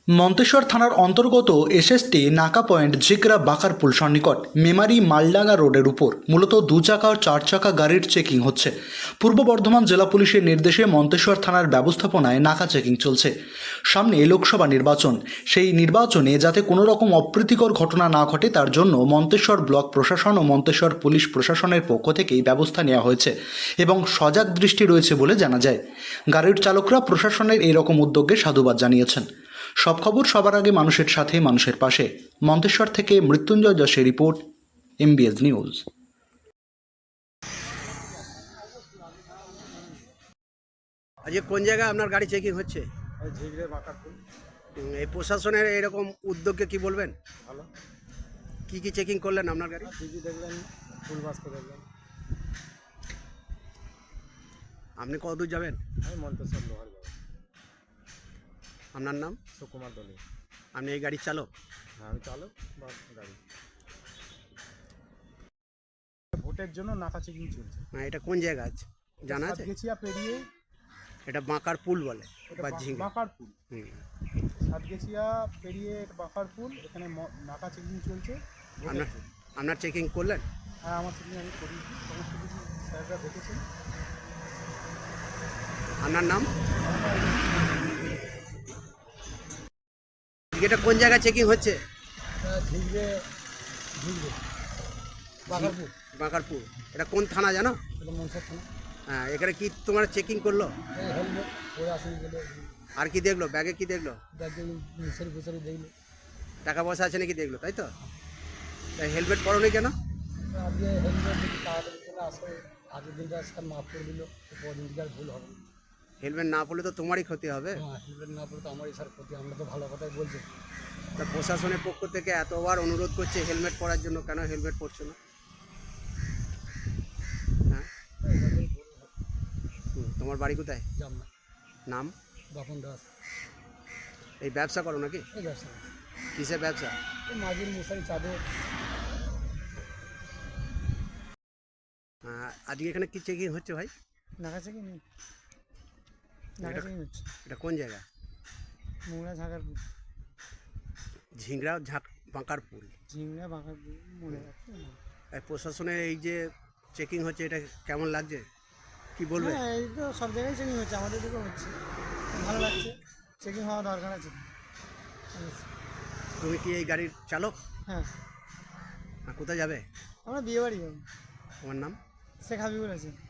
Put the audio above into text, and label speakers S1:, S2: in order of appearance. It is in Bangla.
S1: মন্তেশ্বর থানার অন্তর্গত এসএসটি নাকা পয়েন্ট ঝিকরা বাকারপুল সন্নিকট মেমারি মালডাঙ্গা রোডের উপর মূলত 2 চাকা ও 4 চাকা গাড়ির চেকিং হচ্ছে। পূর্ব বর্ধমান জেলা পুলিশের নির্দেশে মন্তেশ্বর থানার ব্যবস্থাপনায় নাকা চেকিং চলছে। সামনে লোকসভা নির্বাচন, সেই নির্বাচনে যাতে কোনো রকম অপ্রীতিকর ঘটনা না ঘটে তার জন্য মন্তেশ্বর ব্লক প্রশাসন ও মন্তেশ্বর পুলিশ প্রশাসনের পক্ষ থেকেই ব্যবস্থা নেওয়া হয়েছে এবং সজাগ দৃষ্টি রয়েছে বলে জানা যায়। গাড়ির চালকরা প্রশাসনের এরকম উদ্যোগে সাধুবাদ জানিয়েছেন। সব খবর সবার আগে মানুষের সাথে, মানুষের পাশে। মন্তেশ্বর থেকে মৃত্যুঞ্জয় যশের রিপোর্ট, MBS নিউজ।
S2: আজকে কোন জায়গায় আপনার গাড়ি চেকিং হচ্ছে?
S3: ঝিগড়ে বাঁকারপুল।
S2: এই প্রশাসনের এরকম উদ্যোগকে কি বলবেন?
S3: ভালো।
S2: কি কি চেকিং করলেন আপনার গাড়ি?
S3: টিভি দেখলেন, ফুল বাস্ক দেখলেন।
S2: আপনি কত দূর যাবেন?
S3: আমি মন্তেশ্বর লোহার যাবো।
S2: আপনার নাম?
S3: সুকুমার দলে।
S2: আপনি এই গাড়ির চালক?
S3: হ্যাঁ, আমি চালক বা গাড়ি। ভোটের জন্য নাকা চেকিং চলছে।
S2: এটা কোন জায়গা আছে জানা আছে?
S3: সাতগেছিয়া পেরিয়ে
S2: এটা বাঁকার পুল বলে বা ঝিঙ্গা?
S3: বাঁকারপুল।
S2: হুম।
S3: সাতগেছিয়া পেরিয়ে বাঁকারপুল, এখানে নাকা চেকিং চলছে।
S2: আপনার আপনার চেকিং করলেন?
S3: হ্যাঁ, আমার চেকিং আমি করি, সমস্ত কিছু স্যাররা দেখেছেন।
S2: আপনার নাম? এটা কোন জায়গায় চেকিং হচ্ছে?
S3: ঝিগড়ে ঝিগড়ে বাঁকারপুল।
S2: বাঁকারপুল। এটা কোন থানা জানো?
S3: এটা মনসা থানা।
S2: হ্যাঁ, এখানে কি তোমার চেকিং করলো?
S3: এই হেলমেট পরে আসেনি বলে
S2: আর কি দেখলো? ব্যাগে কি দেখলো?
S3: ব্যাগে মিশারি ফুসারি দেখলো।
S2: টাকা পয়সা আছে নাকি দেখলো, তাই তো? তাই হেলমেট পরোনি কেন?
S3: আজকে হেলমেট যদি তাড়াতাড়ি চলে আসে, আগের দিনটা স্যার মাফ করে দিল, পরের দিনকে আর ভুল হবে না।
S2: হেলমেট না পরলে তো তোমারই ক্ষতি হবে।
S3: হ্যাঁ, হেলমেট না পড়লে তো আমারই স্যার ক্ষতি। আমরা তো ভালো কথাই বলছি।
S2: তা প্রশাসনের পক্ষ থেকে এতবার অনুরোধ করছে হেলমেট পরার জন্য, কেন হেলমেট পরছো না? হ্যাঁ, তোমার বাড়ি কোথায়?
S3: যাব না।
S2: নাম?
S3: বাপন দাস।
S2: এই ব্যবসা করো নাকি?
S3: এই ব্যবসা না।
S2: কিসের ব্যবসা?
S3: এই মাঝির মশারি চাদর।
S2: আজকে এখানে কি চেকিং হচ্ছে ভাই?
S3: নাকা চেকিং নেই, নাকা চেকিং হচ্ছে।
S2: এটা কোন জায়গা?
S3: মোংরা ঝাঁকারপুর।
S2: ঝিংড়া বাঁকারপুল।
S3: ঝিংড়া বাঁকারপুর মনে রাখছে না।
S2: এই প্রশাসনের এই যে চেকিং হচ্ছে, এটা কেমন লাগছে, কি বলবে?
S3: হ্যাঁ, এই তো সব জায়গায় চেকিং হচ্ছে, আমাদের দিকেও হচ্ছে, ভালো লাগছে। চেকিং হওয়া দরকার আছে।
S2: তুমি কি এই গাড়ির চালক?
S3: হ্যাঁ,
S2: কোথায় যাবে?
S3: আমরা বিয়ে বাড়ি যাবো।
S2: তোমার নাম?
S3: শেখ হাবিবুল আছে।